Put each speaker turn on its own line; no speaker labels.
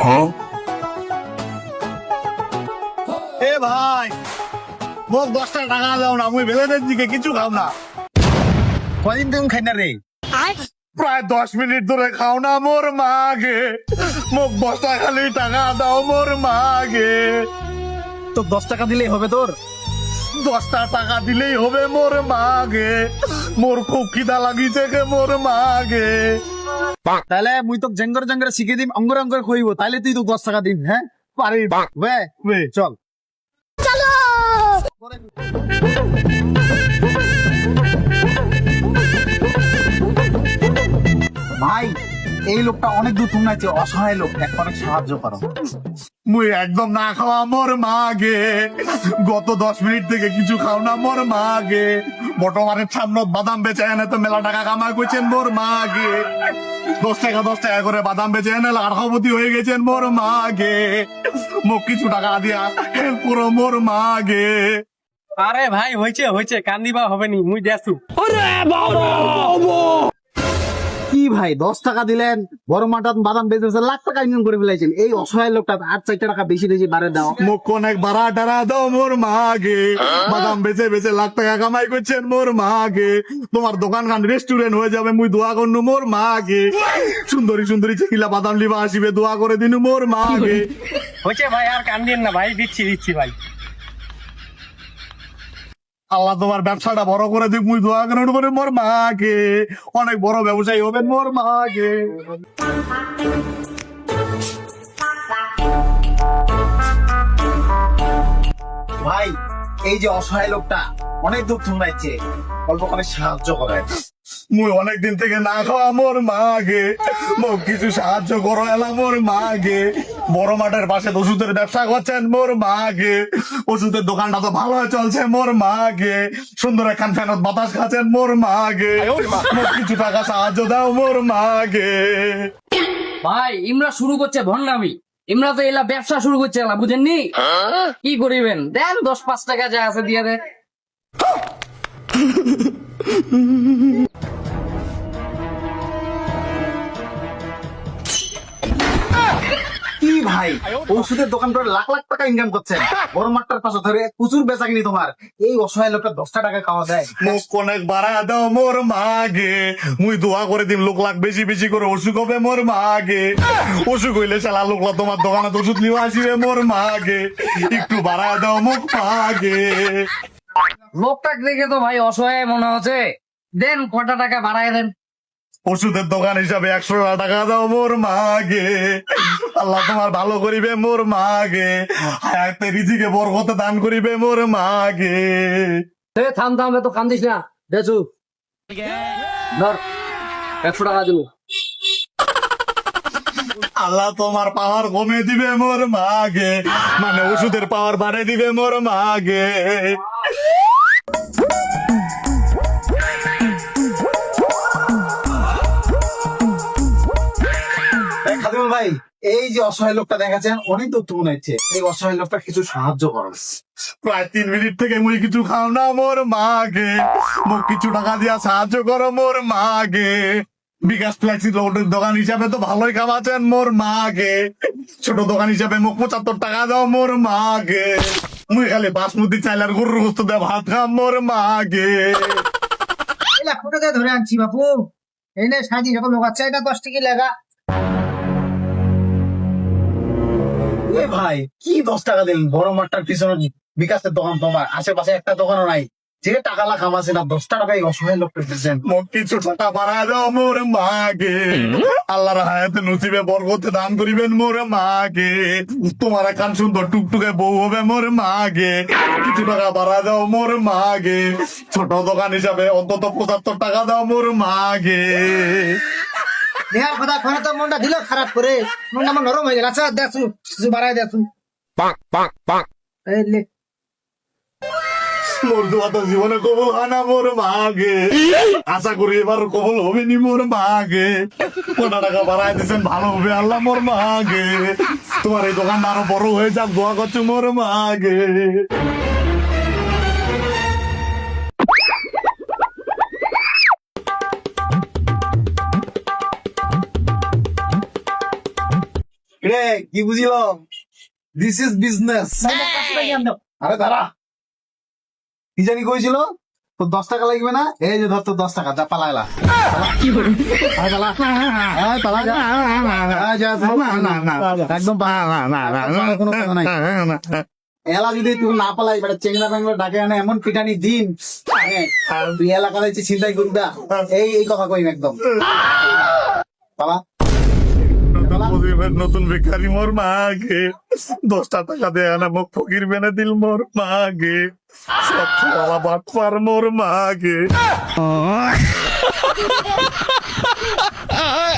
এ ভাই মোক 10টা টাকা দাও না, মুই বেলেনের দিকে কিছু খাও না।
কদিন তুমি খাই না রে?
প্রায় 10 মিনিট ধরে খাও না মোর মাগে। মোক 10টা খালি টাকা দাও মোর মাগে।
তো 10 টাকা দিলেই হবে তোর?
10টা টাকা দিলেই হবে মোর মাগে। মোর খুব খিদা লাগিছে কে মোর মাগে।
তাহলে মুই তো জেঙ্গর জেঙ্গর শিখে দিম, অঙ্গর অঙ্গর খইব, তাইলে তুই তো 10 টাকা দিন। হ্যাঁ
পারি
বে চল। ভাই এই লোকটা অনেক দূর তুমি আছে, অসহায় লোক, এক অনেক সাহায্য করো।
মুই একদম না খাওয়া মোর মাগে। গত 10 মিনিট থেকে কিছু খাও না মোর মাগে। বর্তমানের সামনত বাদাম বেচে এনে তো মেলা টাকা কামাই করছেন মোর মাগে। 10 টাকা করে বাদাম বেচে এনে লাখপতি হয়ে গেছেন মোর মাগে। মোক কিছু টাকা দিয়া হেল্প করো মোর মাগে।
আরে ভাই হয়েছে কান্দিবা হবে নি, মুই দেছু।
কি ভাই 10 টাকা দিলেন, বড় মাটান বাদাম বেচেছে, লাখ টাকা ইনকাম করে ফেলাইছেন। এই অসহায় লোকটা আর 4 টাকা বেশি বেশি বাড়ে দাও।
মোক অনেক বাড়া টারা দাও মোর মাগে। বাদাম বেচে বেচে লাখ টাকা কামাই করছেন মোর মাগে। তোমার দোকান খান রেস্টুরেন্ট হয়ে যাবে, মুই দোয়া করনু মোর মাগে। সুন্দরী সুন্দরী চেকিলা বাদাম লিবা আসিবে, দোয়া করে দিনু মোর মাগে।
হয়েছে ভাই, আর কান্দিয়েন না ভাই, দিচ্ছি ভাই।
আল্লাহ তোমার ব্যবসাটা বড় করে দিক, মুই দোয়া করে করে মোর মাকে। অনেক বড় ব্যবসায়ী হবেন মোর মাকে।
ভাই এই যে অসহায় লোকটা অনেক দুঃখ শুনাইছে, অল্প করে সাহায্য করে।
মুই অনেকদিন থেকে না খাওয়া মোর মাগে। মোক কিছু সাহায্য করো এলা মোর মাগে। বড় মাঠের পাশে ওষুধের ব্যবসা করছেন মোর মাগে। ওষুধের দোকানটা তো ভালো চলছে মোর মাগে। সুন্দর একখান ফ্যানত বাতাস খাচ্ছেন মোর মাগে। মোক কিছু টাকা সাহায্য দাও মোর মাগে।
ভাই ইমরা শুরু করছে ভন্ডামি, ইমরা তো এলা ব্যবসা শুরু করছে এলা, বুঝেননি? কি করিবেন, দেন 10-5 টাকা যা আছে দিয়ে দেন।
কি ভাই ওষুধের দোকান করে লাখ লাখ টাকা ইনকাম করছেন, বড় মাঠটার পাশে ধরে প্রচুর বেচা কিনি তোমার। এই অসহায় লোকটা 10টা টাকা খাওয়া দেয়।
মোক অনেক বাড়া দাও মোর মাগে। মুই দোয়া করে দিম লোক লাখ বেশি বেশি করে অসুখ হবে মোর মাগে। অসুখ হইলে শালা লোকলা তোমার দোকানে ওষুধ নিয়ে আসিবে মোর মাগে। একটু বাড়া দাও মোক মাগে।
লোকটাকে দেখে তো ভাই অসহায় মনে হচ্ছে, দেন কটা টাকা বাড়ায় দেন।
ওষুধের দোকান হিসাবে 100 টাকা দাও মোর মাগে। আল্লাহ তোমার ভালো করিবে মোর মাগে। হায়াতে রিজিকে বরকত দান করিবে মোর মাগে।
থাম তো কান্দিস না, দেছু ধর 100 টাকা দিল।
আল্লাহ তোমার পাওয়ার কমে দিবে মোর মাগে, মানে ওষুধের পাওয়ার বাড়িয়ে দিবে মোর মাগে।
খাদিমুল ভাই এই যে অসহায় লোকটা দেখাচ্ছেন অনেক দুঃখ মনে হচ্ছে, এই অসহায় লোকটা কিছু সাহায্য করো।
প্রায় 3 মিনিট থেকে মুই কিছু খাও না মোর মাগে। মোক কিছু টাকা দিয়া সাহায্য করো মোর মাগে। বিকাশ ফ্লেক্সি রোডের দোকান হিসাবে তো ভালোই খাওয়াচ্ছেন মোর মাগে। ছোট দোকান হিসাবে মোক 75 টাকা দাও মোর মাগে। মুই খালি বাসমতি চাইল আর গরুর গোস্ত দিয়ে ভাত খাম মোর মাগে।
এই লাখ টাকা ধরে আনছি বাপু, এই নে সাজি যখন লোক আছে এটা 10 টাকা লাগা।
এ ভাই কি 10 টাকা দিন, বড় মাঠটার পিছনে বিকাশের দোকান, তোমার আশেপাশে একটা দোকানও নাই যে টাকা লাখ আমাছে না, 10টা টাকা এই অসহায় লোকটা দিচ্ছেন।
মোক কিছু টাকা বাড়া দাও মোর মাগে। আল্লাহর হায়াতে নসিবে বরকতে দান করিবেন মোর মাগে। তোমার একখান সুন্দর টুকটুকে বউ হবে মোর মাগে। কিছু টাকা বাড়া দাও মোর মাগে। ছোট দোকান হিসাবে অন্তত 75 টাকা দাও মোর মাগে।
দেহার কথা করে তো মনটা দিল খারাপ করে, মনটা আমার নরম হয়ে গেল। আচ্ছা দেখুন কিছু বাড়াই দেখুন। এই লে
মোর দোয়া তো জীবনে কবুল হয় না মোর মাগে। আশা করি এবার কবুল হবে নি মোর মাগে। 50 টাকা বাড়াই দিচ্ছেন, ভালো হবে আল্লাহ মোর মাগে। তোমার এই দোকানটা আরো বড় হয়ে যাক, দোয়া করছো মোর মাগে।
রে কি বুঝিল, দিস ইজ বিজনেস। আরে দাঁড়া, কি জানি কইছিল তোর 10 টাকা লাগবে না, এই যে ধর তোর 10 টাকা, যা পালাইলা। একদম কোনো কথা নাই। এলা যদি তুই না পালাই বেটা চেংড়া ব্যাংলা ডাকে আনে এমন পিটানি দিন, তুই এলাকা যাইছি চিন্তাই করবা, এই কথা কইম একদম। পালা।
নতুন বেকারি মোর মাগে 10 টাকা দেয় না, মুখ ফকির বেনে দিল মোর মাগে, সব বাবা বাটপার মোর মাগে।